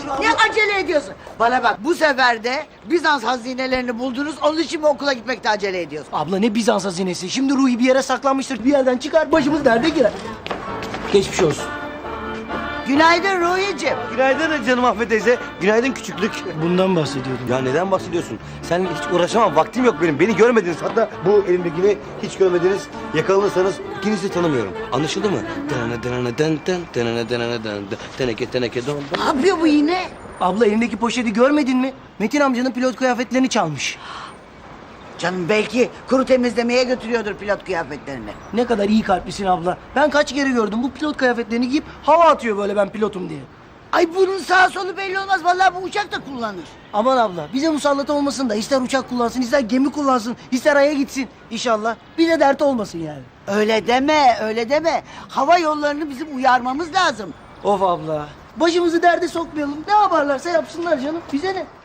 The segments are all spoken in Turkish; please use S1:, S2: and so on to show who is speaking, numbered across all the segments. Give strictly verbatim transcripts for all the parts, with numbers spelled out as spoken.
S1: Ne acele ediyorsun? Bana bak, bu sefer de Bizans hazinelerini buldunuz. Onun için mi okula gitmekte acele ediyorsun?
S2: Abla ne Bizans hazinesi? Şimdi Ruhi bir yere saklanmıştır. Bir yerden çıkar başımız derde girer. Geçmiş olsun.
S1: Günaydın Ruhi'ciğim.
S3: Günaydın canım Ahmet teyze. Günaydın küçüklük.
S2: Bundan bahsediyordum.
S3: Ya neden bahsediyorsun? Seninle hiç uğraşamam. Vaktim yok benim. Beni görmediniz. Hatta bu elimdekini hiç görmediniz. Yakalanırsanız ikinizi de tanımıyorum. Anlaşıldı mı? Denene denene den den denene denene den den teneke teneke don don.
S1: Ne yapıyor bu yine?
S2: Abla elindeki poşeti görmedin mi? Metin amcanın pilot kıyafetlerini çalmış.
S1: Canım belki kuru temizlemeye götürüyordur pilot kıyafetlerini.
S2: Ne kadar iyi kalplisin abla. Ben kaç kere gördüm bu pilot kıyafetlerini giyip hava atıyor böyle ben pilotum diye.
S1: Ay bunun sağ solu belli olmaz. Vallahi bu uçak da kullanır.
S2: Aman abla bize musallat olmasın da ister uçak kullansın, ister gemi kullansın, ister aya gitsin inşallah. Bize dert olmasın yani.
S1: Öyle deme, öyle deme. Hava yollarını bizim uyarmamız lazım.
S2: Of abla. Başımızı derde sokmayalım. Ne yaparlarsa yapsınlar canım. Bize ne?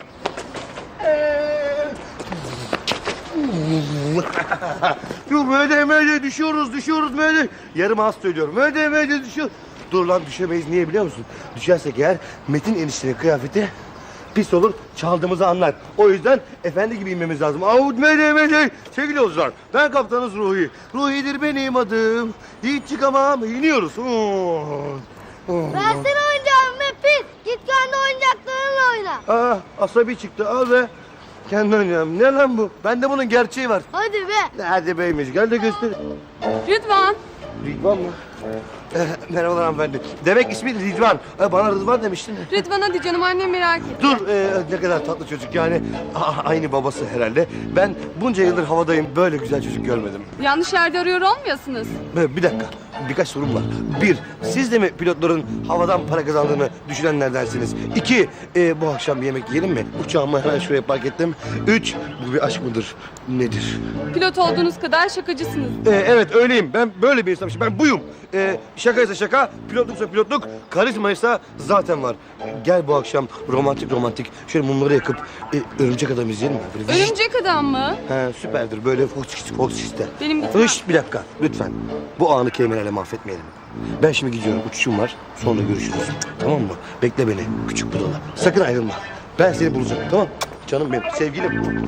S3: Yok böyle böyle düşüyoruz düşüyoruz böyle. Yarım az söylüyorum. Böyle böyle düşüyor. Dur lan düşemeyiz. Niye biliyor musun? Düşersek eğer Metin eniştenin kıyafeti pis olur, çaldığımızı anlar. O yüzden efendi gibi inmemiz lazım. Avut mele mele. Sevgili yolcular, ben kaptanız Ruhi. Ruhi'dir benim adım. Hiç çıkamam. İniyoruz. Oo. Oo.
S4: Versene oyuncağımı Mepis. Git kendi oyuncaklarınla oyna.
S3: Aa, asabi çıktı. Al be. Kendi oynayalım. Ne lan bu? Bende bunun gerçeği var.
S4: Hadi be.
S3: Hadi beymiş. Gel de göster.
S5: Rıdvan.
S3: Rıdvan mı? Ee, merhabalar hanımefendi. Demek ismi Rıdvan. Ee, bana Rıdvan demiştin.
S5: Rıdvan hadi canım annem merak etti.
S3: Dur, e, ne kadar tatlı çocuk yani. A- aynı babası herhalde. Ben bunca yıldır havadayım, böyle güzel çocuk görmedim.
S5: Yanlış yerde arıyor olmayasınız.
S3: Ee, bir dakika, birkaç sorum var. Bir, siz de mi pilotların havadan para kazandığını düşünenlerdensiniz? İki, e, bu akşam bir yemek yiyelim mi? Uçağımı hemen şuraya park ettim. Üç, bu bir aşk mıdır? Nedir?
S5: Pilot olduğunuz kadar şakacısınız.
S3: Ee, evet öyleyim. Ben böyle bir insanım. Ben buyum. Ee, şakaysa şaka, pilotluksa pilotluk, karizmaysa zaten var. Gel bu akşam romantik romantik şöyle mumları yakıp e, örümcek adam izleyelim mi? Böyle
S5: Örümcek adam mı?
S3: He, süperdir. Böyle fox foxiste.
S5: Benim gitmem.
S3: Hış, bir dakika lütfen. Bu anı kelimelerle mahvetmeyelim. Ben şimdi gidiyorum. Uçuşum var. Sonra görüşürüz. Tamam mı? Bekle beni. Küçük budala. Sakın ayrılma. Ben seni bulacağım. Tamam? Canım benim. Sevgilim.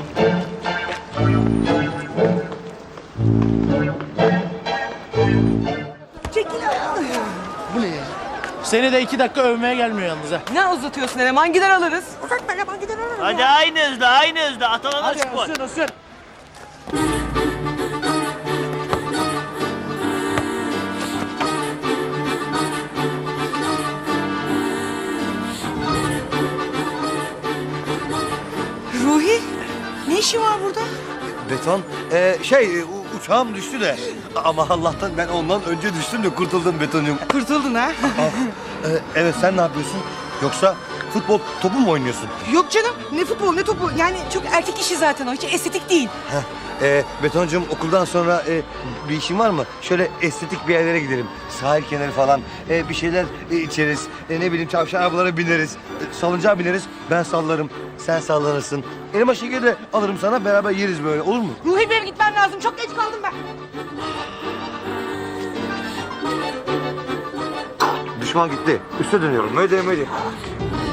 S6: Seni de iki dakika övmeye gelmiyor yalnız ha.
S7: Ne uzatıyorsun eleman? Gider alırız.
S8: Hadi aynı hızda, aynı hızda. Atalana spor.
S6: Isın ısın.
S7: Ruhi, ne işin var burada?
S3: Beton. Ee, şey, u- uçağım düştü de. Ama Allah'tan ben ondan önce düştüm de kurtuldum Beton'cum.
S7: Kurtuldun ha?
S3: Ee, evet, sen ne yapıyorsun? Yoksa futbol topu mu oynuyorsun?
S7: Yok canım, ne futbol ne topu. Yani çok erkek işi zaten o, hiç estetik değil.
S3: Heh, e, Beton'cum okuldan sonra e, bir işin var mı? Şöyle estetik bir yerlere gidelim. Sahil kenarı falan. E, bir şeyler e, içeriz. E, ne bileyim tavşan arabalara bineriz. E, salıncağa bineriz. Ben sallarım. Sen sallanırsın. Elma şekeri de alırım sana. Beraber yeriz böyle. Olur mu?
S7: Ruhi benim gitmem lazım, çok geç kaldım ben.
S3: Düşman gitti. Üste dönüyorum. Möde möde.